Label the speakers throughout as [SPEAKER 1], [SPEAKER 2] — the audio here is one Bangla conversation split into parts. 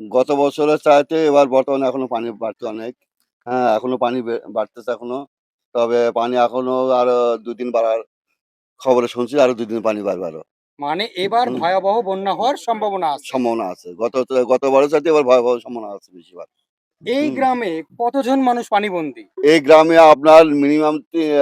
[SPEAKER 1] গত বছরের চাইতে এবার বর্তমানে এখনো পানি বাড়ছে অনেক। হ্যাঁ, এখনো পানি বাড়তেছে এখনো। তবে পানি এখনো আরো ২ দিন বাড়ার খবরে শুনছি, আরো ২ দিন পানি বাড়বে আরো।
[SPEAKER 2] মানে এবার
[SPEAKER 1] হুম,
[SPEAKER 2] ভয়াবহ বন্যা
[SPEAKER 1] হুম,
[SPEAKER 2] হওয়ার সম্ভাবনা আছে।
[SPEAKER 1] সম্ভাবনা আছে। গতবারের চাইতে এবার ভয়াবহ সম্ভাবনা আছে বেশিরভাগ।
[SPEAKER 2] এই
[SPEAKER 1] হুম।
[SPEAKER 2] গ্রামে কতজন মানুষ পানিবন্দী?
[SPEAKER 1] এই গ্রামে আপনার মিনিমাম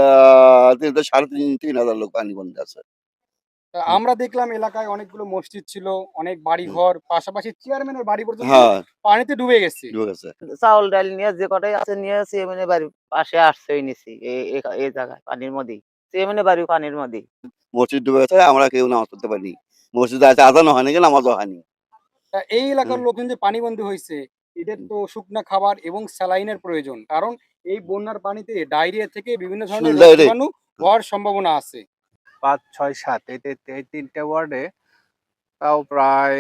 [SPEAKER 1] ৩,৫০০ লোক পানিবন্দী আছে। হুম।
[SPEAKER 2] আমরা দেখলাম এলাকায় অনেকগুলো মসজিদ ছিল, অনেক
[SPEAKER 1] হুম।
[SPEAKER 2] বাড়িঘর, পাশাপাশি চেয়ারম্যানের বাড়ি পর্যন্ত
[SPEAKER 1] হ্যাঁ,
[SPEAKER 2] পানিতে ডুবে গেছে।
[SPEAKER 1] ডুবে গেছে।
[SPEAKER 3] চাউল ডাল নিয়ে যে কটাই আছে নিয়ে চেয়ারম্যানের বাড়ির পাশে আশ্রয় নিছি এই জায়গায় পানির মধ্যেই। চেয়ারম্যানের বাড়ি পানির মধ্যেই।
[SPEAKER 1] মসজিদ ডুবে গেছে, আমরা কেউ নামাজ পড়তে পারিনি। মসজিদে আছে আজানও হয়নি, নামাজও হয়নি।
[SPEAKER 2] এই এলাকার
[SPEAKER 1] হুম।
[SPEAKER 2] লোকজন যে পানিবন্দী হইছে, এদের তো শুকনা খাবার এবং স্যালাইনের প্রয়োজন। কারণ এই বন্যার পানিতে ডায়রিয়া থেকে বিভিন্ন ধরনের রোগ
[SPEAKER 1] ডাইরেক্ট।
[SPEAKER 2] জীবাণু হওয়ার সম্ভাবনা আছে।
[SPEAKER 4] ৫, ৬, ৭ এই ৩ টে ওয়ার্ডে তাও প্রায়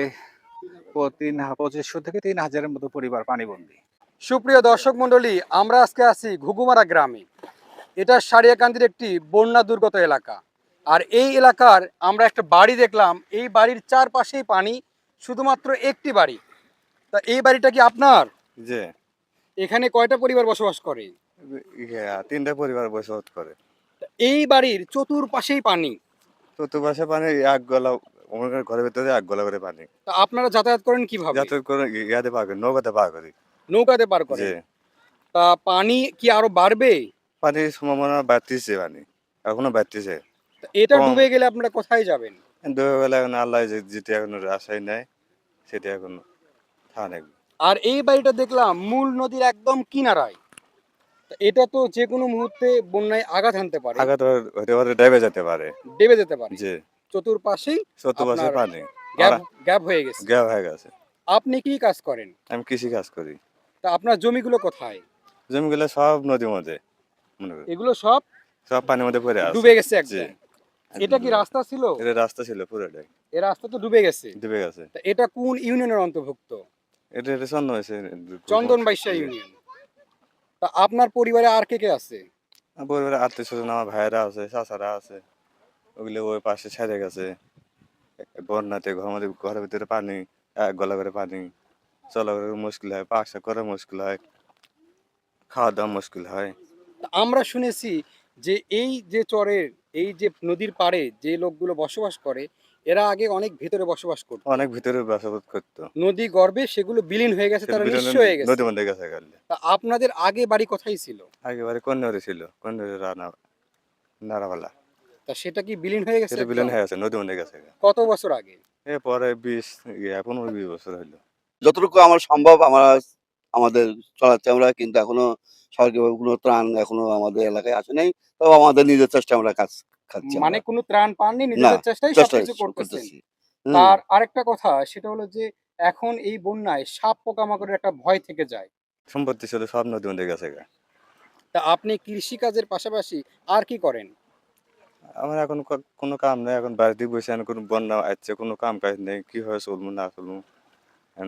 [SPEAKER 4] ২৫০০ থেকে ৩,০০০ এর মতো পরিবার পানিবন্দী।
[SPEAKER 2] সুপ্রিয় দর্শক মণ্ডলী, আমরা আজকে আছি ঘুঘুমারা গ্রামে। এটা সারিয়াকান্দির একটি বন্যা দুর্গত এলাকা। আর এই এলাকার আমরা একটা বাড়ি দেখলাম, এই বাড়ির চারপাশেই পানি, শুধুমাত্র একটি বাড়ি। তা এই বাড়িটা কি আপনার?
[SPEAKER 4] যে
[SPEAKER 2] এখানে কয়টা পরিবার বসবাস করে?
[SPEAKER 4] ৩ টা পরিবার বসবাস করে।
[SPEAKER 2] তা এই বাড়ির চতুর্পাশেই পানি।
[SPEAKER 4] চতুর্পাশে পানি এক গলা মনে করেন ঘরের ভেতরে এক গলা করে পানি।
[SPEAKER 2] তা আপনারা যাতায়াত করেন কিভাবে?
[SPEAKER 4] যাতায়াত করে ইয়াতে পার করি, নৌকাতে পার করি।
[SPEAKER 2] নৌকাতে পার
[SPEAKER 4] যে
[SPEAKER 2] করেন। তা পানি কি আরো বাড়বে?
[SPEAKER 4] পানির সম্ভাবনা বাড়তিছে পানি। এখনো বাড়তিছে।
[SPEAKER 2] তা এটা
[SPEAKER 4] কম
[SPEAKER 2] ডুবে গেলে আপনারা কোথায় যাবেন?
[SPEAKER 4] দুপুরবেলা এখন আল্লাহ যেটা এখন আশায় নেয় সেটা এখন থানে।
[SPEAKER 2] আর এই বাড়িটা দেখলাম মূল নদীর একদম কিনারায়। তা এটা তো যে কোনো মুহূর্তে বন্যায় আঘাত হানতে পারে,
[SPEAKER 4] আঘাত হতে পারে, ডেবে যেতে পারে।
[SPEAKER 2] ডেবে যেতে পারে।
[SPEAKER 4] যে
[SPEAKER 2] চতুর্পাশেই
[SPEAKER 4] চতুর্পাশে
[SPEAKER 2] আপনার
[SPEAKER 4] পানি।
[SPEAKER 2] গ্যাপ
[SPEAKER 4] আর
[SPEAKER 2] গ্যাপ হয়ে গেছে।
[SPEAKER 4] গ্যাপ হয়ে গেছে।
[SPEAKER 2] আপনি কি কাজ করেন?
[SPEAKER 4] আমি কৃষি কাজ করি।
[SPEAKER 2] তা আপনার জমিগুলো কোথায়?
[SPEAKER 4] জমিগুলো সব নদীর মধ্যে মনে করি।
[SPEAKER 2] এগুলো সব
[SPEAKER 4] সব পানির মধ্যে পড়ে আছে।
[SPEAKER 2] ডুবে গেছে
[SPEAKER 4] জি,
[SPEAKER 2] একদম।
[SPEAKER 4] একদম
[SPEAKER 2] এটা কি
[SPEAKER 4] ডুবে গেছে।
[SPEAKER 2] রাস্তা ছিল?
[SPEAKER 4] এটা রাস্তা ছিল পুরোটাই।
[SPEAKER 2] এ রাস্তা তো ডুবে গেছে।
[SPEAKER 4] ডুবে গেছে।
[SPEAKER 2] তা এটা কোন ইউনিয়নের অন্তর্ভুক্ত?
[SPEAKER 4] এটা ছন্ন হয়েছে।
[SPEAKER 2] চন্দনবাইশা
[SPEAKER 4] জি।
[SPEAKER 2] ইউনিয়ন। তা আপনার পরিবারে আর কে আছে?
[SPEAKER 4] আমার পরিবারে আত্মীয় স্বজন আমার ভাইয়েরা আছে, চাচারা আছে। ওগুলো ওই পাশে ছেড়ে গেছে। বন্যাতে ঘরের ভিতরে পানি, এক গলা করে পানি। চলাফেরা মুশকিল হয়, পাকশাক করা মুশকিল হয়, খাওয়া দাওয়া মুশকিল হয়।
[SPEAKER 2] তা আমরা শুনেছি যে এই যে চরের, এই যে নদীর পাড়ে যে লোকগুলো বসবাস করে, এরা আগে অনেক ভেতরে বসবাস করত।
[SPEAKER 4] অনেক ভিতরে বাসাবাদ করতো।
[SPEAKER 2] নদী গর্ভে সেগুলো বিলীন হয়ে গেছে,
[SPEAKER 4] সেটা
[SPEAKER 2] তারা
[SPEAKER 4] বিলনে
[SPEAKER 2] নিঃস্ব হয়ে গেছে।
[SPEAKER 4] নদীর মধ্যে গেছে গেলে।
[SPEAKER 2] তা আপনাদের আগে বাড়ি কোথায় ছিল?
[SPEAKER 4] একেবারে কন্যারে ছিল, কন্যারে নাড়াবালা।
[SPEAKER 2] তা সেটা কি বিলীন হয়ে গেছে
[SPEAKER 4] সেটা বিলন
[SPEAKER 2] একদম?
[SPEAKER 4] হয়ে গেছে, নদীর মধ্যে গেছে।
[SPEAKER 2] কত বছর আগে?
[SPEAKER 4] এরপরে 15-20 বছর হইলো।
[SPEAKER 1] যতটুকু আমার সম্ভব আমাদের চালাচ্ছি আমরা, কিন্তু এখনো সরকারি কোনো ত্রাণ এখনো আমাদের এলাকায় আসে নাই। তবে আমাদের নিজের চেষ্টায় আমরা কাজ খাচ্ছি
[SPEAKER 2] মানে
[SPEAKER 1] আমরা।
[SPEAKER 2] কোনো ত্রাণ পাননি,
[SPEAKER 1] না,
[SPEAKER 2] নিজেদের চেষ্টায়
[SPEAKER 1] চেষ্টা
[SPEAKER 2] সবকিছু করতেছেন।
[SPEAKER 1] করতেছি। হুম।
[SPEAKER 2] তার আরেকটা কথা, সেটা হলো যে এখন এই বন্যায় সাপ পোকামাকড়ের একটা ভয় থেকে যায়।
[SPEAKER 4] সম্পত্তি ছিল সব নদীর মধ্যে গেছে।
[SPEAKER 2] তা আপনি কৃষিকাজের পাশাপাশি আর কি করেন?
[SPEAKER 4] আমার এখন কোনো কাম নাই, এখন বাড়িতে বসে এখন কোনো বন্যা আসছে, কোনো কাম কাজ নেই, কিভাবে চলবো না চলবো এখন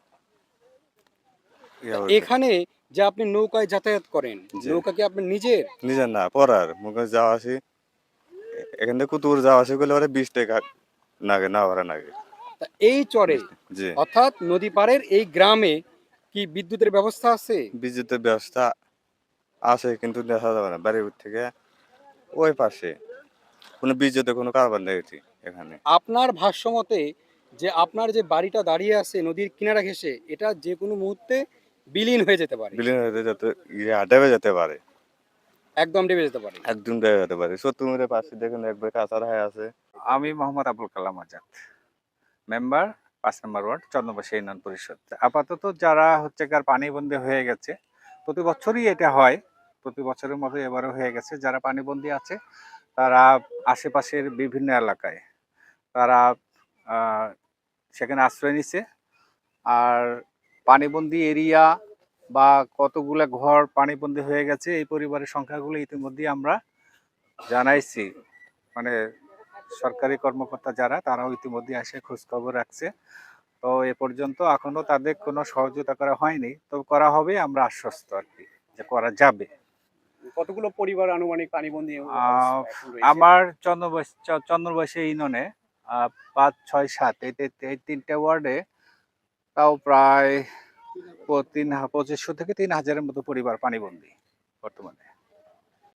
[SPEAKER 2] তা
[SPEAKER 4] ইয়া হচ্ছে।
[SPEAKER 2] এখানে যে আপনি নৌকায় যাতায়াত করেন,
[SPEAKER 4] যে
[SPEAKER 2] নৌকা কি আপনার নিজের?
[SPEAKER 4] নিজের না পড়ার মুখে যাওয়া আসি, এখান থেকে কুতুর যাওয়া আসি করলে ওরা 20 টাকা নাগে, না ভাড়া নাগে।
[SPEAKER 2] তা এই চরে,
[SPEAKER 4] 20 টাকা। জি,
[SPEAKER 2] অর্থাৎ নদী পাড়ের এই গ্রামে কি বিদ্যুতের ব্যবস্থা আছে?
[SPEAKER 4] বিদ্যুতের ব্যবস্থা আছে কিন্তু দেখা যাবে না বাড়ির থেকে ওই পাশে কোনো বিদ্যুতের কোনো কারবার নেই এখানে।
[SPEAKER 2] আপনার ভাষ্যমতে যে আপনার যে বাড়িটা দাঁড়িয়ে আছে নদীর কিনারা ঘেঁষে, এটা যে কোনো মুহূর্তে বিলীন হয়ে যেতে পারে,
[SPEAKER 4] বিলীন হয়ে যেতে ডেবে যেতে পারে,
[SPEAKER 2] একদম ডেবে যেতে পারে।
[SPEAKER 4] একদম ডেবে যেতে পারে। সত্যমের পাশে দেখুন একবার কাঁচার হয়ে আছে।
[SPEAKER 5] আমি মোহাম্মদ আবুল কালাম আজাদ, মেম্বার ৫ নম্বর ওয়ার্ড, চন্দ্রবাসী ইউনিয়ন পরিষদ। আপাতত যারা হচ্ছে কার পানিবন্দী হয়ে গেছে, প্রতি বছরই এটা হয়, প্রতি বছরের মতো এবারও হয়ে গেছে। যারা পানিবন্দী আছে তারা আশেপাশের বিভিন্ন এলাকায় তারা আহ, সেখানে আশ্রয় নিছে। আর পানিবন্দী এরিয়া বা কতগুলা ঘর পানিবন্দী হয়ে গেছে এই পরিবারের সংখ্যাগুলো ইতিমধ্যেই আমরা জানাইছি। মানে সরকারি কর্মকর্তা যারা, তারাও ইতিমধ্যে এসে খোঁজ খবর রাখছে। তো এ পর্যন্ত এখনো তাদের কোনো সহযোগিতা করা হয়নি, তো করা হবে, আমরা আশ্বস্ত আর কি যে করা যাবে।
[SPEAKER 2] কতগুলো পরিবার আনুমানিক পানিবন্দী
[SPEAKER 5] আহ,
[SPEAKER 2] এখন রয়েছে?
[SPEAKER 5] আমার চন্দ্রবাসী ইউনিয়নে ৫, ৬, ৭ এই ৩ টে ওয়ার্ডে তাও প্রায় 2500 থেকে 3000-এর মতো পরিবার পানিবন্দী বর্তমানে।